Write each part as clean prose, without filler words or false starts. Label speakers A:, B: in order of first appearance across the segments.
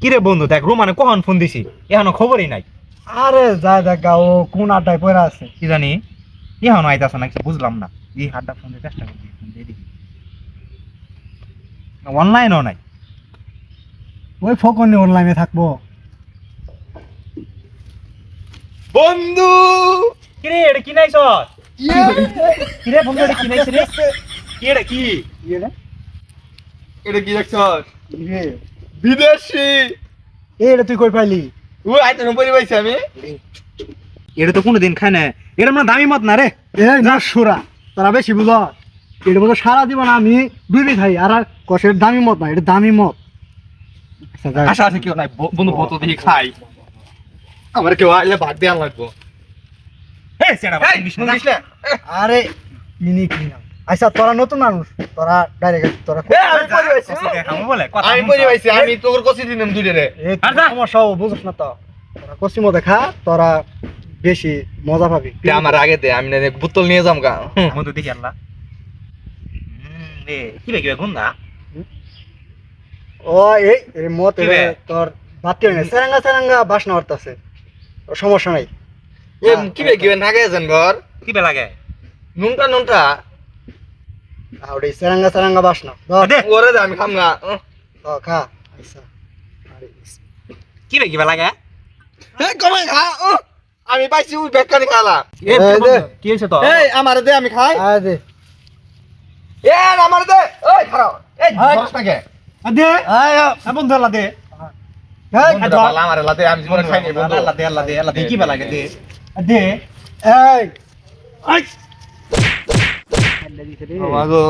A: কিরে বন্ধু দেখ রোমানে কখন ফোন দিছি এখনো খবরই নাই।
B: আরে যা দেখা ও কোন আড্ডায় পড়ে আছে।
A: কি জানি এখনো আইতাছে না, কিছু বুঝলাম না। এই হাতটা ফোন দিয়ে চেষ্টা করছি, ফোন দিয়ে দেখি। অনলাইনও নাই।
B: ওই ফোকনে অনলাইনে থাকবো।
C: বন্ধু
A: কিরে এটা কি নাইছ? কিরে বন্ধু এটা কি নাইছ রে? কি এটা কি?
C: এটা কি দেখছস?
B: রে
C: বিদেশি।
B: এটা তুই কই পাইলি?
C: ওই আইতে নম্বরই পাইছি আমি।
A: এটা তো কোনোদিন খায় না। এটা মানে দামি মত না রে।
B: এই না সুরা তোরা বেশি বুঝ। এটা মতো সারা জীবন আমি ডুবি খাই আর আর কষের দামি মত না, এটা দামি মত। আচ্ছা, যাই।
C: আশা আছে কেউ নাই, বন্ধু বোতল দিয়ে খাই। আমার কেউ আইলে ভাত দেওয়া লাগবো।
A: এই সেটা
C: এই, শুনিস না?
B: আরে মিনি কি না। আচ্ছা তোরা নতুন মানুষ, তোরা ডাইরেক্ট তোরা
C: আমি পরি পাইছি।
A: আমি বলে কথা
C: আমি পরি পাইছি, আমি তোর কষি দিলাম দুইটা রে।
B: এই সমস্যা বুঝছ না তো। তোরা কসিমো দেখা তোরা বেশি মজা পাবি।
C: আমার আগে দে, আমি না বোতল নিয়ে যাম গা।
A: বন্ধু দেখি আল্লাহ। রে কি বে গুন্ডা?
B: ও এই মত
A: কি বে?
B: তোর বাতি হয় না, সেরাঙ্গা সেরাঙ্গা বাসনা হরতাছে। সমস্যা নাই।
C: এ কি বে নাগে আছেন ঘর?
A: কি বে লাগে?
C: নুনটা নুনটা।
B: আউড়ে সেরাঙ্গা সেরাঙ্গা বাসনা।
A: দে
C: ওরে দে আমি খাম না।
B: খা। আচ্ছা। আরে
A: কি বে লাগে?
C: এই কমাই খা। আমি পাইছি ওই বেকারি খালা।
A: এ
B: দে।
A: কি হইছে তো?
C: এই আমার দে আমি খাই।
B: দে।
C: এ আমার দে। ওই খারাপ। এই দশ টাকা।
B: দে বন্ধু আল্লাহ দে।
C: বন্ধুটা ভালো আমার লাতে আমি জীবনে খাইনি বন্ধু।
A: আল্লাহ দে আল্লাহ দে আল্লাহ দে কি বে লাগে দে।
B: দে এই
C: আমাগো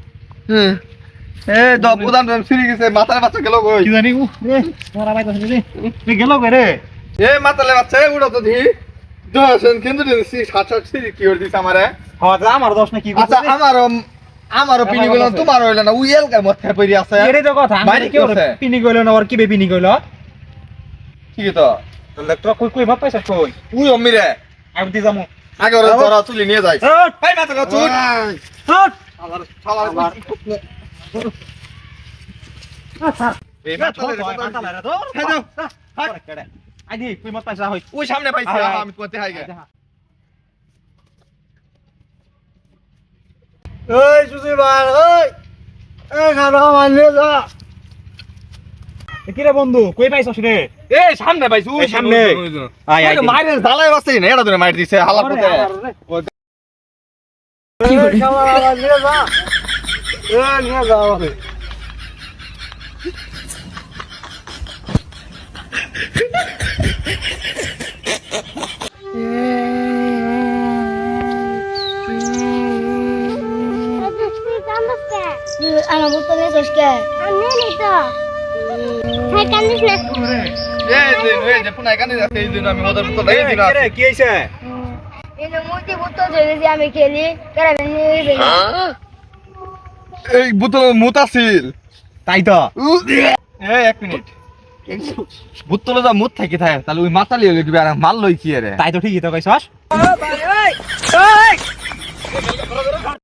C: দপুদান ফিরে গেছে, মাথার বাচ্চা গেল কই?
A: কি জানি রে মারা বাইতাছে রে। তুই গেল কই রে?
C: এ মাথালে বাচ্চা উড়ো তো দি দশন কিন্তু দিছি সাত সাত সিরি কি করে দিছ আমারে।
A: হ্যাঁ আমার দোষ না কি
C: আচ্ছা আমারও পিনি গেল, তোমার হইল না, উইল কা মধ্যে পড়ি আছে।
A: এরে তো কথা
C: বাইরে
A: আমি
C: কি
A: কি
C: হচ্ছে?
A: পিনি কইলো না আর কি বে পিনি কইলো?
C: ঠিক তো
A: তাহলে তো কই কই ভাব পাইছ কই?
C: উই অমিরে
A: আমি দি যামু।
C: আগে ওরা তোরা তুলি নিয়ে যাই।
A: হট
C: ভাই মাথা চুট
A: হট
C: আবার শালার এই মাথালে হ্যাঁ যাও
A: আইদি কই মত পাইছা হই।
C: ওই সামনে পাইছি আমি কোতে হাই গে।
B: এই সুজি ভাই এই খানা মানে যা।
A: কি রে বন্ধু কই পাইছস রে?
C: এই সামনে পাইছি ওই
A: এই সামনে। আয় আয়
C: মাইরের জ্বালায় বাসে না, এটা ধরে মাইর দিছে হালা পথে।
B: এই খানা মানে যা। এই নিয়ে যাও রে।
D: আমার বোতল নিয়ে কে আমি নেই তো হ্যাঁ কান্দিস না
C: এই যে পুনাই কানে যাচ্ছে এই দিন আমি মদের বোতল এই দিন
A: কি রে কি হইছে?
D: এই যে মুটি বোতল ধরে যে আমি খেলি কারা নিয়ে
C: এই বোতল মুত আছিল।
A: তাই তো
C: এই এক মিনিট বোতলে যা মুত থাকি থাকে তাহলে ওই মাতালি হলে দিবে আর মাল লই কি রে।
A: তাই তো ঠিকই তো কইছস।